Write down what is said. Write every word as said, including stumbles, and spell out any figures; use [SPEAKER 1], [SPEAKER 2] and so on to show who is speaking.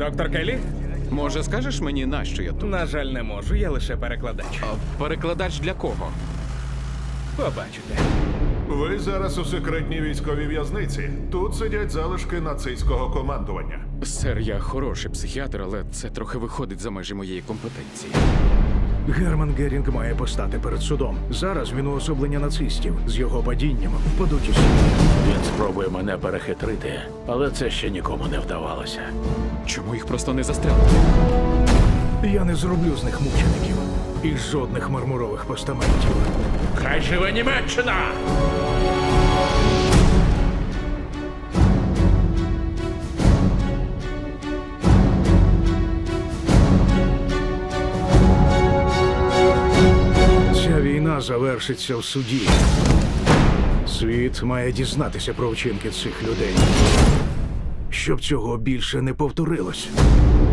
[SPEAKER 1] Доктор Келлі?
[SPEAKER 2] Може, скажеш мені, нащо я тут?
[SPEAKER 1] На жаль, не можу, я лише перекладач.
[SPEAKER 2] А перекладач для кого?
[SPEAKER 1] Побачите.
[SPEAKER 3] Ви зараз у секретній військовій в'язниці. Тут сидять залишки нацистського командування.
[SPEAKER 2] Сер, я хороший психіатр, але це трохи виходить за межі моєї компетенції.
[SPEAKER 4] Герман Герінг має постати перед судом. Зараз він уособлення нацистів. З його падінням впадуть усі.
[SPEAKER 5] Він спробує мене перехитрити, але це ще нікому не вдавалося.
[SPEAKER 2] Чому їх просто не застрелити?
[SPEAKER 4] Я не зроблю з них мучеників. І жодних мармурових постаментів.
[SPEAKER 5] Хай живе Німеччина!
[SPEAKER 4] Ця війна завершиться в суді. Світ має дізнатися про вчинки цих людей, щоб цього більше не повторилось.